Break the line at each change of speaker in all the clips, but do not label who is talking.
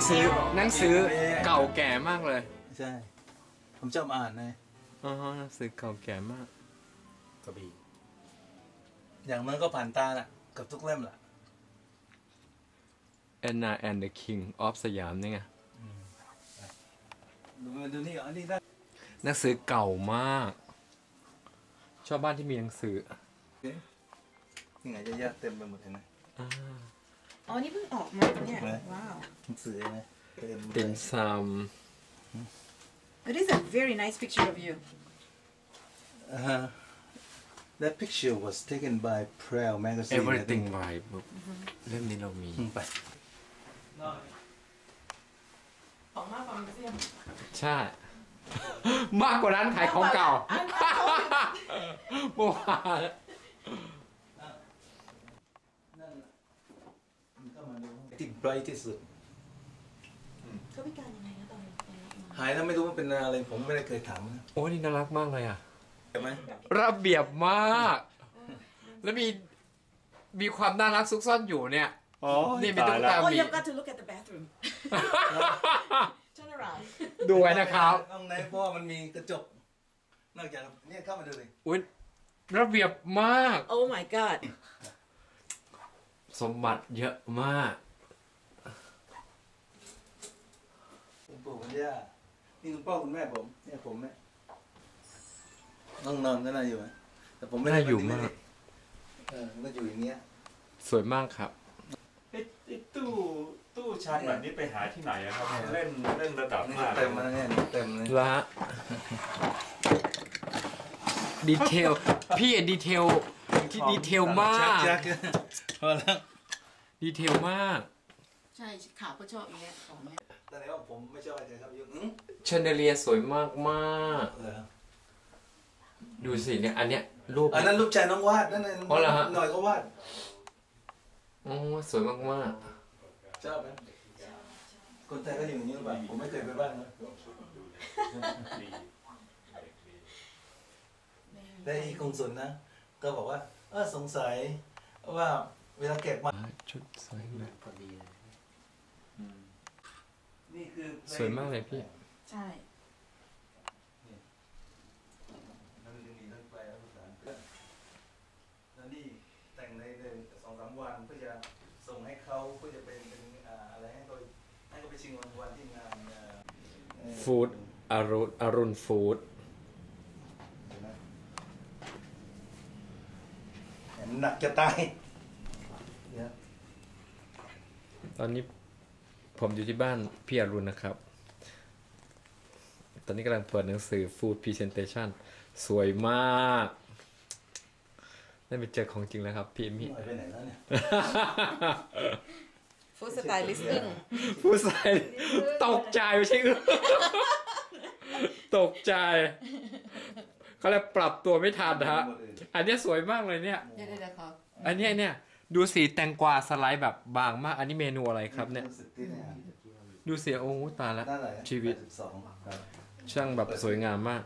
สือเก่าแก่มากเลย
ใช่ผมชอบอ่านนะ
หนังสือเก่าแก่มาก
กระบี่อย่างมันก็ผ่านตาละกับทุกเล่มละ
Anna and the King of สยามนี่ไง
ดูนี่อันนี้ได้
หนังสือเก่ามากชอบบ้านที่มีหนังสือ
นี่ไงจะแยกเต็มไปหมดเลยนะ
อ๋อนี่เพิ่งออกมาเนี่ยว้าว
หนังสือนะ
ติ่มซำ
It is a very nice picture of you
That picture was taken by Prel magazine
Everything by เล่มนี้เรามี
ไป
ของมากกว่ามิวเซียม
ใช่มากกว่าร้านขายของเก่าโมหะ
ที่ไบรท์ที่สุด
เขาพิการยังไงนะตอนนี้
หายแล้วไม่รู้ว่าเป็นอะไรผมไม่ได้เคยถามนะ
โอ้นี่น่ารักมากเลยอ่ะ
ใช่ไหม
ระเบียบมากแล้วมีความน่ารักซุกซ่อนอยู่เนี่ยนี่มีตุ๊กตา
Oh you've got to look at the bathroom Turn around
ดูไว้นะครับ
ห้องไหนเพราะมันมีกระจกนอกจากเนี่ยเข้ามาดูเลย
อุ้ยระเบียบมาก
Oh my god
สมบัติเยอะมาก
คุณปู่คุณย่านี่คุณพ่อคุณแม่ผมเนี่ยผมเนี่ยน้องนอนก็น่าอยู่ไหมแต่ผมไม่
ได้อยู่มาก
ก็อยู่อย่างเงี้ย
สวยมากครับ
ไอ้ตู้ชั้นแบบนี้ไปหาที่ไหนครับเล่นระดับมาก
เต็มแล้วเนี่ยเต็มเลย
ละดีเทลพี่ดีเทลที่ดีเทลมาก
พอแล้ว
ดีเทลมาก
ใช่ข่าวก็ชอบอย่างเงี้ยของเนี้ย
แต่ไหนว่าผมไม่ชอบอะไรครับยุ่ง
เชนเดเลียสวยมากมากดูสิเนี่ยอันเนี้ยรูป
อันนั้นรูปชายน้องวาดนั่นน่ะหน่อยก็วาด
สวยมากมาก
ชอบไหมคนไทยก็อยู่อย่างนี้หรือเปล่าผมไม่เคยไปบ้านนะแต่อีกงสุนนะก็บอกว่าสงสัยว่าเวลาเก็บมา
ชุดสวยมาก
พอดีนี่คือ
สวยมากเลยพี่
ใช่
แล้วนี่แต่งใน2-3 วันเพื่อจะส่งให้เขาเพื่อจะเป็นอะไรให้เขาไปชิงรางวัลที่งาน
ฟู้ดอรุณฟู้ด
หนักจะตาย
ตอนนี้ผมอยู่ที่บ้านพี่อรุณนะครับตอนนี้กำลังเปิดหนังสือ Food Presentation สวยมากได้ไปเจอของจริงแล้วครับพี่มี่
ไปไหนแล้วเนี่ย
ฟู้ดสไตลิสติ้ง
ฟู้ดสไตล์ตกใจไม่ใช่ตกใจเขาเลยปรับตัวไม่ทันนะฮะอันนี้สวยมากเลยเนี่ยอันนี้เนี่ยดูสีแตงกวาสไลด์แบบบางมากอันนี้เมนูอะไรครับเนี่ยดูเสียโอ้ตายแล้วชีวิตช่างแบบสวยงามมาก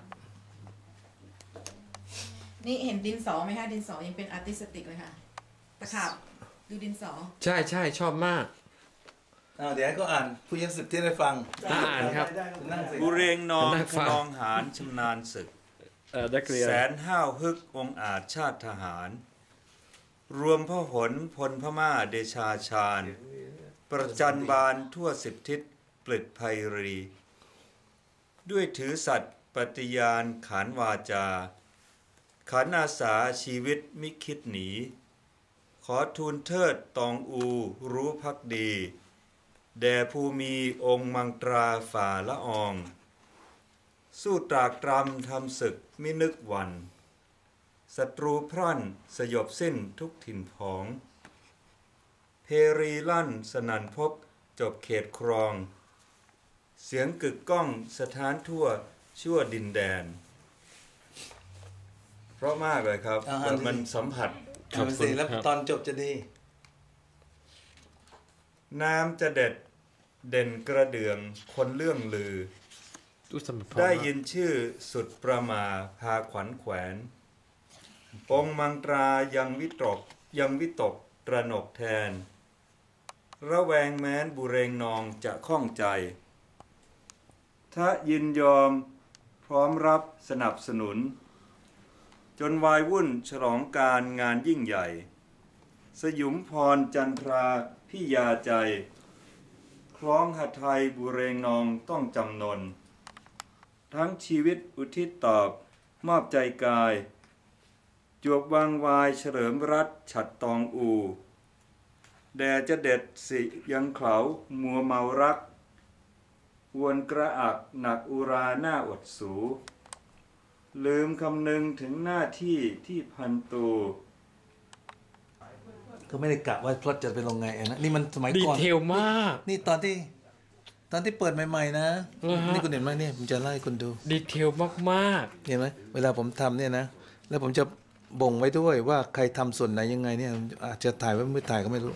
นี่เห็นดินสอไหมคะดินสอยังเป็นอาร์ติสติกเลยค่ะตะขาบดูดินสอ
ใช่ชอบมาก
เดี๋ยวก็อ่านผู้ยัง10ที่ได้ฟัง
อ่านครับ
บุเรงนองขนองหารชำนาญศึกแสนห้าวฮึกองอาจชาติทหารรวมพหลพลพม่าเดชาชาญประจันบานทั่ว10 ทิศปลิดไพรีด้วยถือสัตย์ปฏิญาณขานวาจาขันอาสาชีวิตมิคิดหนีขอทูลเทิดตองอูรู้ภักดีแด่ภูมิองค์มังตราฝ่าละอองสู้ตรากตรำทำศึกมินึกวันศัตรูพรั่นสยบสิ้นทุกถิ่นผองเพรีลั่นสนั่นพบจบเขตครองเสียงกึกก้องสถานทั่วชั่วดินแดนเพราะมากเลยครับมันสัมผัส
ครับสิแล้วตอนจบจะดี
น้ำจะเด็ดเด่นกระเดื่องคนเรื่องลือได้ยินชื่อสุดประมาพาขวัญแขวนองค์มังตรายังวิตกตระหนกแทนระแวงแม้นบุเรงนองจะข้องใจถ้ายินยอมพร้อมรับสนับสนุนจนวายวุ่นฉลองการงานยิ่งใหญ่สยุมพรจันทราพิยาใจคล้องหไทยบุเรงนองต้องจำนนทั้งชีวิตอุทิศตอบมอบใจกายจวบวางวายเฉลิมรัฐฉัดตองอูแด่จะเด็ดสิยังเขามัวเมารักวนกระอักหนักอุราหน้าอดสูลืมคำนึงถึงหน้าที่ที่พันตู
ก็ไม่ได้กะว่าพล็อตจะเป็นลงไงนะนี่มันสมัย
ดี
ก่อน
เทลมาก
นี่ตอนที่เปิดใหม่ๆนะนี่คุณเห็นไหมเนี่ยผมจะไล่คุณดู
ดีเทลมาก
เห็นไหมเวลาผมทำเนี่ยนะแล้วผมจะบ่งไว้ด้วยว่าใครทำส่วนไหนยังไงเนี่ยอาจจะถ่ายไว้ไม่ถ่ายก็ไม่รู้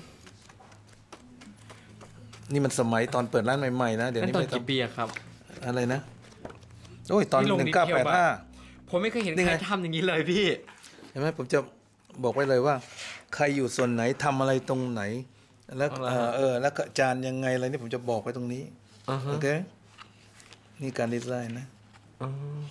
นี่มันสมัยตอนเปิดร้านใหม่ๆนะ
ๆ
เดี๋ยว
นั่น
นี้
ตอน
ไม่
กี่ปีอะครับ
อะไรนะโอ้ยตอน
นี่ลง
1985
ผมไม่เคยเห็น
นี่
ใค
ไง
รทำอย่างนี้เลยพี่
เห็นไหมผมจะบอกไว้เลยว่า ใครอยู่ส่วนไหนทำอะไรตรงไหนแล้วแล้วก็จานยังไงอะไรนี่ผมจะบอกไว้ตรงนี้
อ่าฮะ
โอเคนี่การดีไซน์นะ
อ๋อ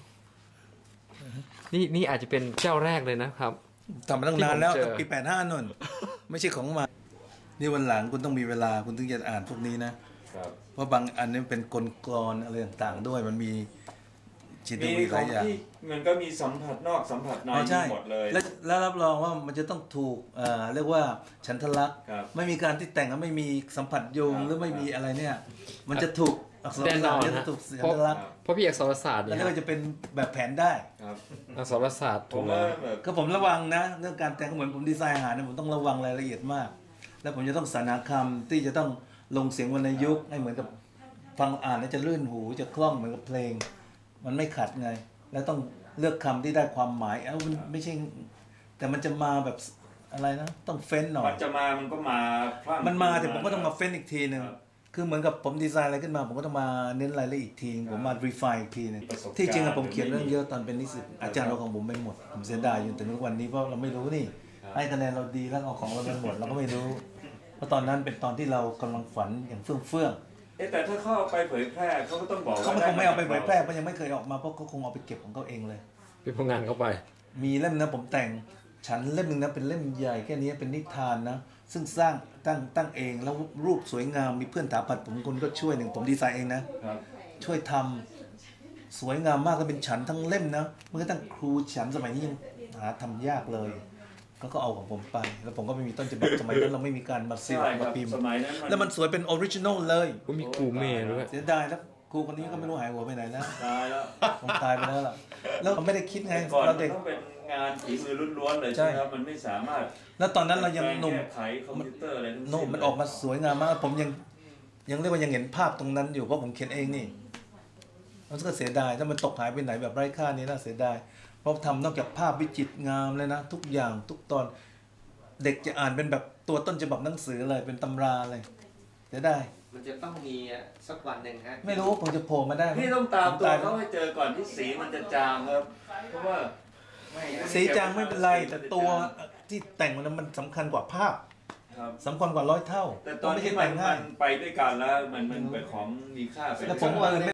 นี่อาจจะเป็นเจ้าแรกเลยนะครับ
ทำมาตั้งนานแล้ว
ที่ผมเจอ
ตั้งปี85นู่นไม่ใช่ของมานี่วันหลังคุณต้องมีเวลาคุณถึงจะอ่านพวกนี้นะเพราะบางอันนี้เป็นกลกลอนอะไรต่างๆด้วยมันมีจิต
มี
วิท
ขอย
าง อย่าง
ที่มันก็มีสัมผัสนอกสัมผัสใน
อ๋อใช่
หมดเลย
แล้วรับรองว่ามันจะต้องถูกเรียกว่าฉันทลักษณ์
ครับ
ไม่มีการที่แต่งแล้วไม่มีสัมผัสโยง
ครับ
หรือไม่มีอะไรเนี่ย มันจะถูกอักษร
แน่น
ศา
อ
สต
น
ร์จะ
ฮะ
ถูกฉัน
เพราะ
ทลักษณ์
เพราะพี่อักษรศาสตร์
แล้ว
เนี่ย
ก็จะเป็นแบบแผนได้
ครับ
อักษรศาสตร์
ผ
ถู
ม
ก
ว่า
แล้ว
แบบ
ก็ผมระวังนะเรื่องการแต่งเหมือนผมดีไซน์อาหารเนี่ยผมต้องระวังรายละเอียดมาก แล้วผมจะต้องสรรหาคำที่จะต้องลงเสียงวรรณยุกต์ให้เหมือนกับฟังอ่านแล้วจะลื่นหูจะคล่องเหมือนกับเพลง มันไม่ขัดไง แล้วต้องเลือกคำที่ได้ความหมายมันไม่ใช่ แต่มันจะมาแบบอะไรนะต้องเฟ้นหน่อย
มันจะมามันก็มาพรั่ง
มันมาแต่ผมก็ต้องมาเฟ้นอีกทีหนึ่ง
ครับ
คือเหมือนกับผมดีไซน์อะไรขึ้นมา ผมก็ต้องมาเน้นรายละเอียดอีกทีผมมา refine อีกทีหนึง
ประสบการณ์
ที่จริงอะผมเขียนเรื่องเยอะตอนเป็นนิสิตอาจารย์เราของผมไม่หมดผมเสียดายอยู่แต่ทุกวันนี้เพราะเราไม่รู้นี่ให้คะแนนเราดีแล้วเอาของเราไปหมดเราก็ไม่รู้ เพราะตอนนั้นเป็นตอนที่เรากำลังฝันอย่างเฟื่อง
แต่ถ้าเขาเอาไปเผยแพร่เขาก็ต้องบอก
ๆ
ว่า
เขาคงไม่เอาไปเผยแพร่เพราะยังไม่เคยออกมาเพราะเขาคงเอาไปเก็บของเขาเองเลย
เป็นพงงานเข้าไป
มีเล่มนะผมแต่งฉันเล่มหนึ่งนะเป็นเล่มใหญ่แค่นี้เป็นนิทานนะซึ่งสร้างตั้งเองแล้วรูปสวยงามมีเพื่อนถาปัดผมคนก็ช่วยหนึ่งผมดีไซน์เองนะครับ ช่วยทำสวยงามมากแล้วเป็นฉันทั้งเล่มนะมันก็ตั้งครูฉันสมัยนี้ยังหาทำยากเลยก็เอาของผมไปแล้วผมก็ไม่มีต้นฉบับสมัยนั้นเราไม่มีการมาซีล
ใช่ค
มา
รับ
พิมพ์
สมัยนั้น
แล้วมันสวยเป็นออริจินอลเลย
ก็มีกูเมย์ด้วย
เสียดายแล้วครูคนนี้ก็ไม่รู้หายหัวไปไหนแล้ว
ตายแล้ว
คงตายไปแล้วล่ะแล้วเราไม่ได้คิดไง
แต่ก่อน
เรา
มัน
เด็ก
ต้องเป็นงานฝีมือล้วนๆเลยใช่ไหมครับมันไม่สามารถ
แล้วตอนนั้นเรายังหนุ่ม
แก้ไขคอมพิวเตอร์อะไรทั้งสิ้น
โน้มันออกมาสวยงามมากผมยังเรียกว่ายังเห็นภาพตรงนั้นอยู่เพราะผมเขียนเองนี่มันก็เสียดายถ้ามันตกหายไปไหนแบบไร้ค่านี่น่าเสียดายเพราะทำนอกจากภาพวิจิตรงามเลยนะทุกอย่างทุกตอนเด็กจะอ่านเป็นแบบตัวต้นฉบับหนังสือเลยเป็นตำราเลยเสียดาย
มันจะต้องมีสักวันหนึ่งฮะ
ไม่รู้ผมจะโผล่มาได้ไหม
พี่ต้องตามตัว
ผ
เขาให้เจอก่อนที่สีมันจะจางครับ เพราะว่า
สีจางไม่เป็นไรแต่ตัวที่แต่งมันสำคัญกว่าภาพ
ครับ
สำคัญกว่า100 เท่า
แต่ตอน
ไม่
ที่
ใช่
มั
แต่
น
งง่าย
ไปด้วยกันแล้วมันเป็นของมีค่า
แล้วผมเออ